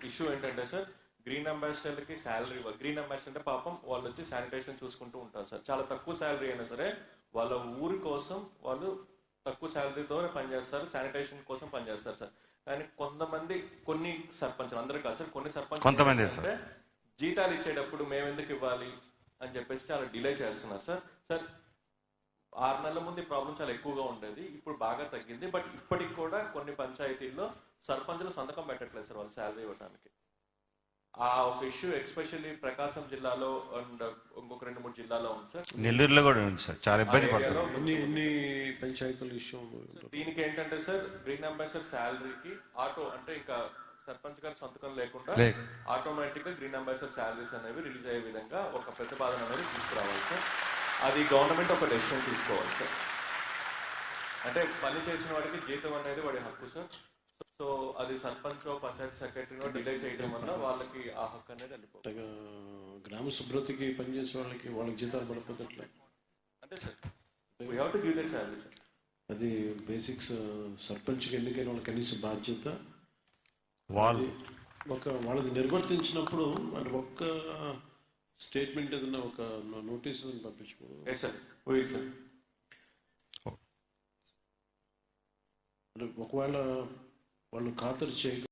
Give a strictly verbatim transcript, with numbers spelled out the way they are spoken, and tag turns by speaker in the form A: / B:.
A: Issue ఏంటంటే sir green ambassador కి salary green ambassador అంటే పాపం వాళ్ళు వచ్చి శానిటేషన్ చూసుకుంటూ ఉంటారు సార్. చాలా తక్కువ శాలరీ అయినా సరే వాళ్ళ ఊరి కోసం వాళ్ళు తక్కువ శాలరీతో పనిచేస్తారు, శానిటేషన్ కోసం పనిచేస్తారు సార్. కానీ కొంతమంది కొన్ని సర్పంచులు అందరూ కాదు సార్, కొన్ని సర్పంచ్
B: కొంతమంది
A: అంటే జీతాలు ఇచ్చేటప్పుడు మేము ఎందుకు ఇవ్వాలి అని చెప్పేసి చాలా డిలే చేస్తున్నారు సార్. సార్ ఆరు నెలల ముందు ఈ ప్రాబ్లం చాలా ఎక్కువగా ఉండేది, ఇప్పుడు బాగా తగ్గింది. బట్ ఇప్పటికి కూడా కొన్ని పంచాయతీల్లో సర్పంచులు సంతకం పెట్టట్లేదు సార్ వాళ్ళు శాలరీ ఇవ్వడానికి. ఆ ఒక ఇష్యూ ఎస్పెషల్లీ ప్రకాశం జిల్లాలో అండ్ ఇంకొక రెండు మూడు జిల్లాలో ఉంది సార్.
B: నెల్లూరులో కూడా ఉంది సార్, చాలా ఇబ్బంది పడుతుంది.
A: దీనికి ఏంటంటే సార్ గ్రీన్ అంబాసిడర్ శాలరీకి ఆటో అంటే ఇంకా సర్పంచ్ గారి సంతకం లేకుండా ఆటోమేటిక్ గా గ్రీన్ అంబాసిడర్ శాలరీస్ అనేవి రిలీజ్ అయ్యే విధంగా ఒక ప్రతిపాదన అనేది తీసుకురావాలి సార్. అది గవర్నమెంట్ ఒక డెసిషన్ తీసుకోవాలి సార్. అంటే పని చేసిన వాడికి జీతం అనేది వాడి హక్కు సార్. సో అది సర్పంచ్ పంచాయతీ సెక్రటరీనో డిలే చేయడం వల్ల వాళ్ళకి ఆ హక్కు అనేది వెళ్ళిపోతుంది.
C: గ్రామ శుభ్రతకి పనిచేసే వాళ్ళకి వాళ్ళకి జీతాలు పడిపోతట్లే
A: అంటే sir we have to give that salary sir.
C: అది బేసిక్స్ సర్పంచ్కి ఎన్నికైన వాళ్ళ కనీస బాధ్యత.
B: వాళ్ళు
C: ఒక వాళ్ళది నిర్వర్తించినప్పుడు అంటే ఒక్క స్టేట్మెంట్ ఏదన్నా ఒక నోటీస్ పంపించుకోవడం అంటే ఒకవేళ వాళ్ళు ఖాతరు చేయ